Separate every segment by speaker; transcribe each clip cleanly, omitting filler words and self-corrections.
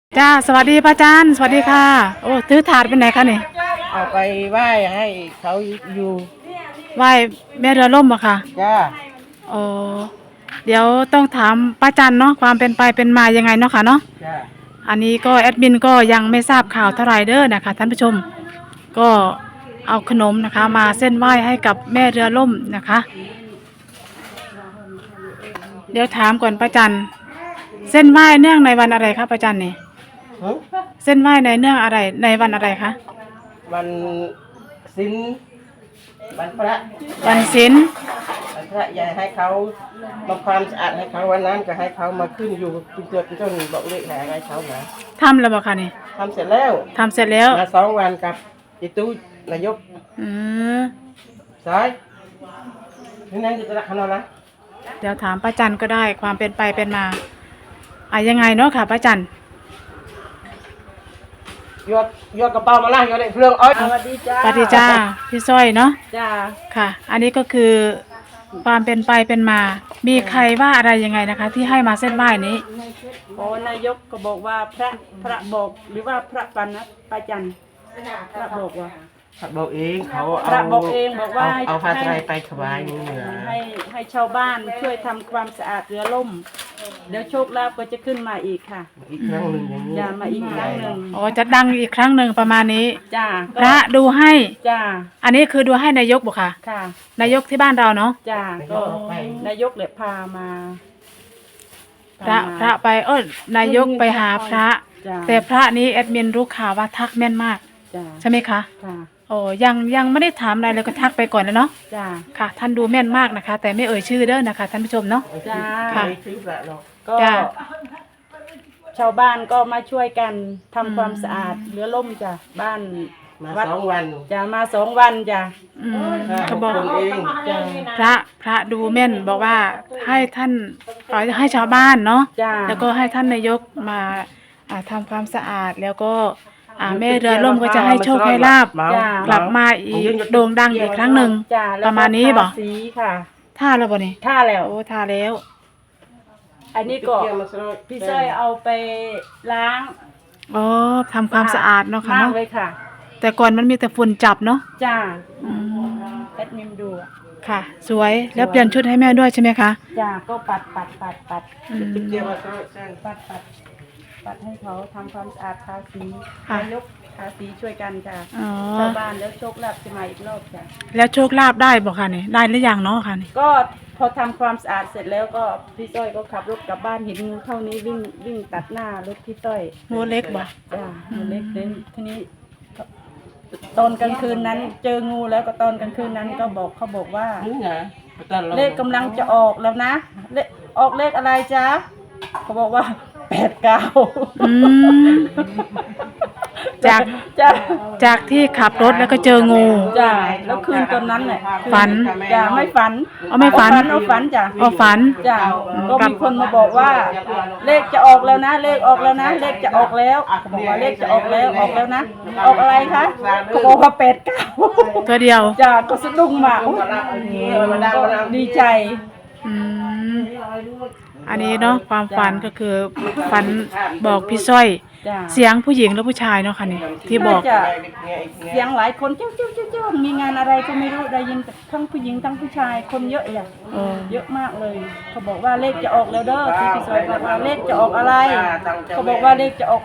Speaker 1: จ้าสวัสดีป้าจันสวัสดีค่ะโอ้ถือถาดเป็นไหนคะนี่
Speaker 2: เอาไปไหว้ให้เขาอยู่
Speaker 1: ไหว้แม่เรือล่มอะค่ะ
Speaker 2: จ้า
Speaker 1: โอ้เดี๋ยวต้องถามป้าจันเนาะความเป็นไปเป็นมายังไงเนาะค่ะเนาะ
Speaker 2: จ้า
Speaker 1: อันนี้ก็แอดมินก็ยังไม่ทราบข่าวเท่าไหร่เด้อนะคะท่านผู้ชมก็เอาขนมนะคะมาเส้นไหว้ให้กับแม่เรือล่มนะคะเดี๋ยวถามก่อนป้าจันเส้นไหว้เนื่องในวันอะไรคะป้าจันนี่
Speaker 2: หึ
Speaker 1: เส้นไหว้ในเนื่องอะไรในวันอะไรคะ
Speaker 2: วันศีลวันพระ
Speaker 1: วันศีล
Speaker 2: วันพระยายให้เขาทำความสะอาดให้เขาวันนั้นก็ให้เขามาขึ้นอยู่เป็นตัวเป็นต้นบอกเลขหาให้เขานะ
Speaker 1: ทำแล้วบ่คะนี่
Speaker 2: ทำเสร็จแล้ว
Speaker 1: ทำเสร็จแล้ว
Speaker 2: มา2 วันกับอิตู้นายก
Speaker 1: อืม
Speaker 2: สายนี่นั่นจะรักเขานะ
Speaker 1: เดี๋ยวถามป้าจันก็ได้ความเป็นไปเป็นมายังไงเนาะค่ะป้าจัน
Speaker 2: ยกกระเป๋ามาล่างยกได้เพื่องอ้อย
Speaker 1: สวัสดีจ้าสวัสดีจ้าพี่สร้อยเนาะ
Speaker 2: จ้า
Speaker 1: ค่ะอันนี้ก็คือความเป็นไปเป็นมามีใครว่าอะไรยังไงนะคะที่ให้มาเส้นไหว้นี้
Speaker 3: โอ้นายกก็บอกว่าพระบอกหรือว่าพระปันนะป้าจันพระบอกว่า
Speaker 2: พระบอกเองเขา
Speaker 3: พระบอกเองบอกว่า
Speaker 2: เอาผ้าไตรไปถวายนี่เหนือ
Speaker 3: ให้ชาวบ้านช่วยทำความสะอาดเรือล่มเดี๋ยวโชคลาภก็จะขึ้นมาอีกค่ะ
Speaker 2: อีกครั้งหนึ่งอย่างนี้
Speaker 3: จะมาอีกครั้งหนึ่ง
Speaker 1: อ๋อจะดังอีกครั้งหนึ่งประมาณนี้
Speaker 3: จ้า
Speaker 1: พระดูให้
Speaker 3: จ้า
Speaker 1: อันนี้คือดูให้นายกบอกค่ะ
Speaker 3: ค่ะ
Speaker 1: นายกที่บ้านเราเนาะ
Speaker 3: จ้าก็นายกเลยพามา
Speaker 1: พระไปนายกไปหาพระแต่พระนี้แอดมินรู้ข่าวว่าทักแม่นมากใช่ไหมคะ
Speaker 3: ค่ะ
Speaker 1: โอ้ยังไม่ได้ถามอะไรเลยก็ทักไปก่อนแล้วเนาะ
Speaker 3: จ้า
Speaker 1: ค่ะท่านดูแม่นมากนะคะแต่ไม่เอ่ยชื่อเด้อนะคะท่านผู้ชมเนาะ
Speaker 3: จ้า
Speaker 1: ค่ะ
Speaker 3: ก็ชาวบ้านก็มาช่วยกันทำความสะอาดเรือล่มจ้ะบ้าน
Speaker 2: มา2 วัน
Speaker 3: จะมา2 วันจ้ะ
Speaker 1: เขาบอก
Speaker 2: เอง
Speaker 1: พระดูแม่นบอกว่าให้ท่านให้ชาวบ้านเนาะแล้วก็ให้ท่านนายกมาทำความสะอาดแล้วก็แม่เรือล่มก็จะให้โชคให้ลาภกลับมาอีกโด่งดังอีกครั้งหนึ่งประมาณนี้บอก
Speaker 3: สีค่ะ
Speaker 1: ท่าแล้วบ่นี่
Speaker 3: ท่าแล้ว
Speaker 1: โอ้ท่าแล้ว
Speaker 3: อันนี้ก็พี่สร้อยเอาไปล้าง
Speaker 1: ทำความสะอาดเนาะค่ะเนาะ
Speaker 3: เลยค่ะ
Speaker 1: แต่ก่อนมันมีแต่ฝุ่นจับเนาะ
Speaker 3: จ้าแอดมินดู
Speaker 1: ค่ะสวยแล้วเปลี่ยนชุดให้แม่ด้วยใช่ไหมคะ
Speaker 3: จ้าก็ปัดให้เขาทำความสะอาดทาสีนายกทาสีช่วยกันค่ะชาวบ้านแล้วโชคลาภจะมาอีกรอบจ้ะ
Speaker 1: แล้วโชคลาภได้บอกค่ะนี่ได้หรือยังเนาะค่ะนี่
Speaker 3: ก็พอทำความสะอาดเสร็จแล้วก็พี่ต้อยก็ขับรถกลับบ้านเห็นงูเท่านี้วิ่งตัดหน้ารถพี่ต้อย
Speaker 1: งูเล็กบ่
Speaker 3: จ้างูเล็กเลยทีนี้ตอนกลางคืนนั้นเจองูแล้วก็ตอนกลางคืนนั้นก็เขาบอกว่าเลขกำลังจะออกแล้วนะออกเลขอะไรจ๊ะเขาบอกว่า89
Speaker 1: จากที่ขับรถแล้วก็เจองู
Speaker 3: จ้าแล้วคืนตอนนั้นแหละ
Speaker 1: ฝัน
Speaker 3: จ้าไม่ฝัน
Speaker 1: ไม่ฝัน
Speaker 3: เอาฝันจ้า
Speaker 1: ฝัน
Speaker 3: จ้าก็มีคนมาบอกว่าเลขจะออกแล้วนะเลขออกแล้วนะเลขจะออกแล้วเขาบอกว่าเลขจะออกแล้วนะออกอะไรคะเขาบอกว่า89
Speaker 1: ตัวเดียว
Speaker 3: จ้าก็สะดุ้งมากดีใจ
Speaker 1: อันนี้เนาะความฝันก็คือฝันบอกพี่สร้อยเสียงผู้หญิงหรือผู้ชายเนาะค่ะนี่ที่บอก
Speaker 3: เสียงหลายคนเจ้ามีงานอะไรก็ไม่รู้ได้ยินทั้งผู้หญิงทั้งผู้ชายคนเยอะเลยเยอะมากเลยเขาบอกว่าเลขจะออกแล้วเด้อที่พี่สร้อยบอกว่าเลขจะออกอะไรเขาบอกว่าเลขจะออก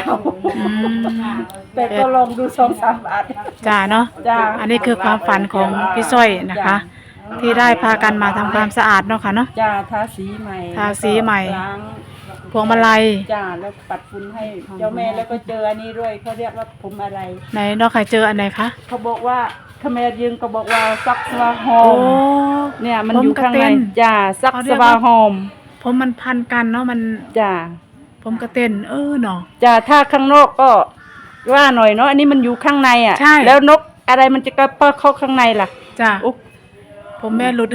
Speaker 3: 89แต่ก็ลองดู2-3 บาท
Speaker 1: จ้าเนาะอันนี้คือความฝันของพี่สร้อยนะคะที่ได้พากันมาทำความสะอาดเนาะค่ะเนาะ
Speaker 3: จ้าทาสีใหม่ล้าง
Speaker 1: พวงมาลัย
Speaker 3: จ้าแล้วปัดฝุ่นให้เจ้าแม่แล้วก็เจออันนี้ด้วยเขาเรียกว่าผมอะไร
Speaker 1: ไหนนอกใครเจออันไหนคะ
Speaker 3: เขาบอกว่าขแมรยืนก็บอกว่าซักสวาหอมเนี่ยมันอยู่ข้างในจ้าซักสวาหอม
Speaker 1: ผมมันพันกันเนาะมัน
Speaker 3: จ้า
Speaker 1: ผมกระเต้นเนาะ
Speaker 3: จ้าถ้าข้างนอกก็ว่าหน่อยเนาะอันนี้มันอยู่ข้างในอ่ะแล้วนกอะไรมันจะกระเปาะเข้าข้างในล่ะ
Speaker 1: จ้าผมแม่รุด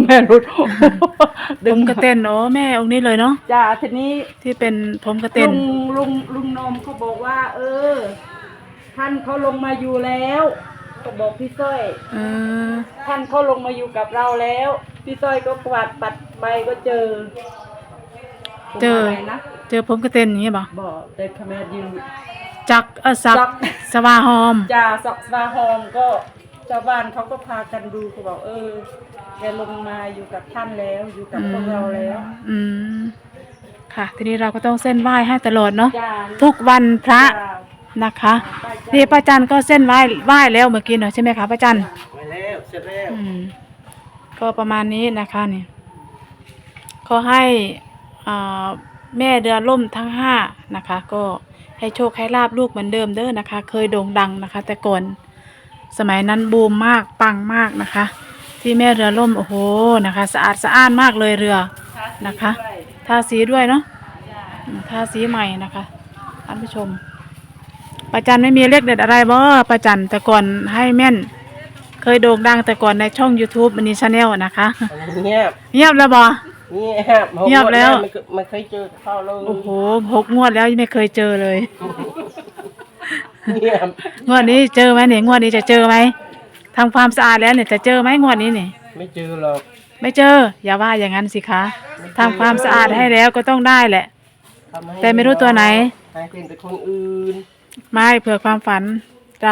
Speaker 3: ดึ
Speaker 1: งกระเต้นแม่องค์นี้เลยเนาะ
Speaker 3: จ้าทีนี้
Speaker 1: ที่เป็นผมกระเต้น
Speaker 3: ลุงนมเขาบอกว่าท่านเขาลงมาอยู่แล้วก็บอกพี่สร้อยท่านเขาลงมาอยู่กับเราแล้วพี่สร้อยก็กวาดปัดใบก็เจอผม
Speaker 1: เจอ
Speaker 3: อะไรนะ
Speaker 1: เจอผมกระเต็นอย่างงี้บ่
Speaker 3: บอกแต่คำแม่ยืน
Speaker 1: จักสัก
Speaker 3: จัก
Speaker 1: สวาหอม
Speaker 3: จ่าสักสาหอมก็ชาวบ้านเขาก็พากันดูเขาบอกแกลงมาอยู่กับท่านแล้วอยู่กับพวกเราแล้ว
Speaker 1: อืมค่ะ ทีนี้เราก็ต้องเส้นไหว้ให้ตลอดเนาะ
Speaker 3: จ้า
Speaker 1: ทุกวันพระ
Speaker 3: จ้า
Speaker 1: นะคะนี่ป้าจันก็เส้นไหว้แล้วเมื่อกี้เนาะใช่ไหมคะป้าจัน
Speaker 2: ไว้แล้วเสร็จแล้ว
Speaker 1: ก็ประมาณนี้นะคะนี่ขอให้อ่าแม่เรือล่มทั้งห้านะคะ ก็ให้โชคให้ลาบลูกเหมือนเดิมเด้อนะคะ เคยโด่งดังนะคะ แต่ก่อนสมัยนั้นบูมมากปังมากนะคะ ที่แม่เรือล่มโอ้โหนะคะ สะอาดสะอ้านมากเลยเรือนะคะทาสีด้วยเนาะทาสีใหม่นะคะท่านผู้ชมป้าจันไม่มีเลขเด็ดอะไรบ่ป้าจันแต่ก่อนให้แม่น เคยโด่งดังแต่ก่อนในช่อง YouTube มันนี่ชาแนลนะคะ
Speaker 2: เงียบ
Speaker 1: เงียบแล้วบ่
Speaker 2: เงียบ
Speaker 1: เงียบแล้ว
Speaker 2: มันเคยเจอเข้าเลย
Speaker 1: โอ้โห6 งวดแล้วยังไม่เคยเจอเลย
Speaker 2: เงียบ
Speaker 1: งวดนี้เจอไหมเนี่ยงวดนี้จะเจอไหมทำความสะอาดแล้วเนี่ยจะเจอไหมงวดนี้เนี่ย
Speaker 2: ไม่เจอหรอก
Speaker 1: ไม่เจอ อย่าว่าอย่างนั้นสิคะทำความสะอาดให้แล้วก็ต้องได้แหละ
Speaker 2: ทำให้
Speaker 1: แต่ไม่รู้ตัวไหน
Speaker 2: ให้เป็นแต่คนอื่น
Speaker 1: ไม่เผื่อความฝันเรา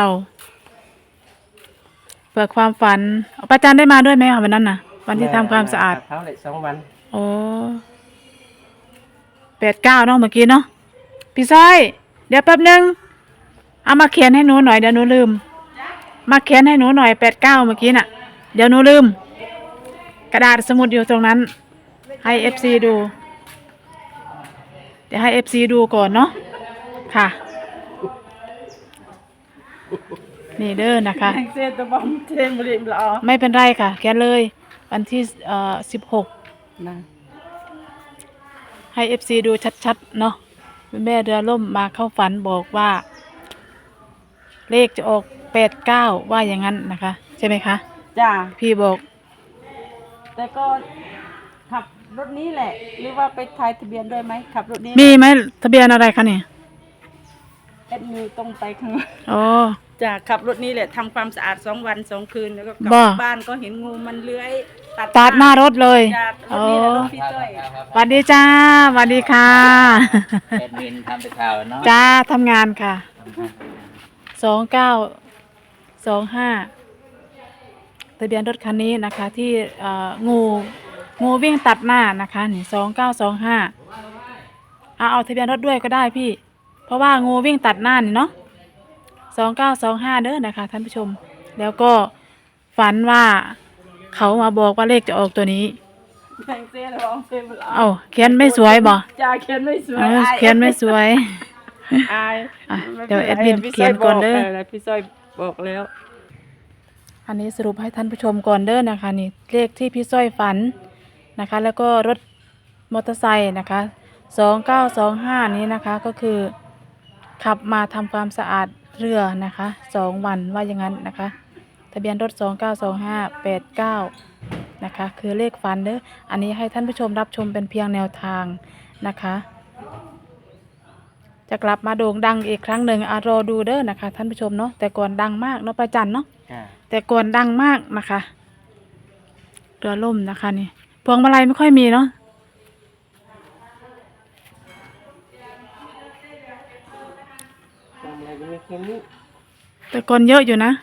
Speaker 1: เผื่อความฝันป้าจันได้มาด้วยไหมคะวันนั้นน่ะ วันที่ทำความสะอาด
Speaker 2: เท้าเลย2 วัน
Speaker 1: โอ้8-9เนาะเมื่อกี้เนาะพี่ซ้อยเดี๋ยวแป๊บนึงเอามาเขียนให้หนูหน่อยเดี๋ยวหนูลืมมาเขียนให้หนูหน่อย8-9เมื่อกี้น่ะเดี๋ยวหนูลืมกระดาษสมุดอยู่ตรงนั้นให้ FC ดูเดี๋ยวให้ FC ดูก่อนเนาะค่ะนี่เด้อนะคะ
Speaker 3: แองเซตบอมเทมริมละออ
Speaker 1: ไม่เป็นไรค่ะแกเลยวันที่16
Speaker 3: นะ
Speaker 1: ให้ FC ดูชัดๆเนาะแม่เรือล่มมาเข้าฝันบอกว่า เลขจะออก89ว่าอย่างนั้นนะคะ ใช่ไหมคะ
Speaker 3: จ้า
Speaker 1: พี่บอก
Speaker 3: แต่ก็ขับรถนี้แหละ หรือว่าไปทายทะเบียนด้วยไหมขับรถนี้
Speaker 1: มีไหมทะเบียนอะไรคะเนี่ย
Speaker 3: เอ็ดมิวต้องไปข้างหลัง
Speaker 1: อ๋อ
Speaker 3: จ้าขับรถนี้แหละทำความสะอาด2 วัน 2 คืนแล้วก็กลับ
Speaker 1: บ่
Speaker 3: บ้านก็เห็นงูมันเลื้อย
Speaker 1: ตัดหน้ารถเลย
Speaker 3: จ้ารถ
Speaker 1: อ๋อ
Speaker 3: นี้แหละรถพี่ต้อย
Speaker 1: สวัสดีจ้าสวัสดีค่ะ
Speaker 4: แอดมินทำแต่ข่าวเนาะ
Speaker 1: จ้าทำงานค่ะ2925ทะเบียนรถคันนี้นะคะ ที่งูวิ่งตัดหน้านะคะนี่2925เอาทะเบียนรถด้วยก็ได้พี่ เพราะว่างูวิ่งตัดหน้านี่เนาะ2925เด้อนะคะท่านผู้ชม แล้วก็ฝันว่าเขามาบอกว่าเลขจะออกตัวนี้
Speaker 3: แองเซ่ร้องเพลงละออ
Speaker 1: เอ้าเขียนไม่สวยบ่
Speaker 3: จ้าเขียนไม่สวย
Speaker 1: เขียนไม่สวย
Speaker 3: อาย
Speaker 1: อ่ะเดี๋ยวแอดมินเขียนก่อนเด้อ
Speaker 3: พี่ซอยบอกแล้ว
Speaker 1: อันนี้สรุปให้ท่านผู้ชมก่อนเด้อนะคะนี่เลขที่พี่สร้อยฝันนะคะ แล้วก็รถมอเตอร์ไซค์นะคะ2925นี้นะคะก็คือขับมาทำความสะอาดเรือนะคะ2 วันว่าอย่างนั้นนะคะทะเบียนรถ292589นะคะคือเลขฝันเด้ออันนี้ให้ท่านผู้ชมรับชมเป็นเพียงแนวทางนะคะจะกลับมาโด่งดังอีกครั้งหนึ่งรอดูเด้อนะคะท่านผู้ชมเนาะแต่ก่อนดังมากเนาะประจันเนาะ
Speaker 2: จ้า
Speaker 1: แต่ก่อนดังมากนะคะเรือล่มนะคะนี่พวงมาลัยไม่ค่อยมีเนาะ
Speaker 2: ทำอะไรไม่เค็มนี่
Speaker 1: แต่ก่อนเยอะอยู่นะ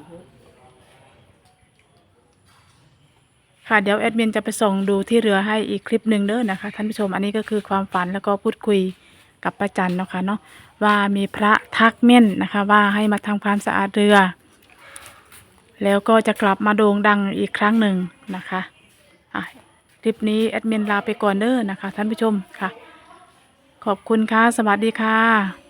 Speaker 1: ค่ะเดี๋ยวแอดมินจะไปส่งดูที่เรือให้อีกคลิปหนึ่งเด้อนะคะท่านผู้ชมอันนี้ก็คือความฝันแล้วก็พูดคุยกับป้าจันเนาะค่ะเนาะว่ามีพระทักเม่นนะคะ ว่าให้มาทำความสะอาดเรือ แล้วก็จะกลับมาโด่งดังอีกครั้งหนึ่งนะคะคลิปนี้แอดมินลาไปก่อนเด้อนะคะท่านผู้ชมค่ะ ขอบคุณค่ะสวัสดีค่ะ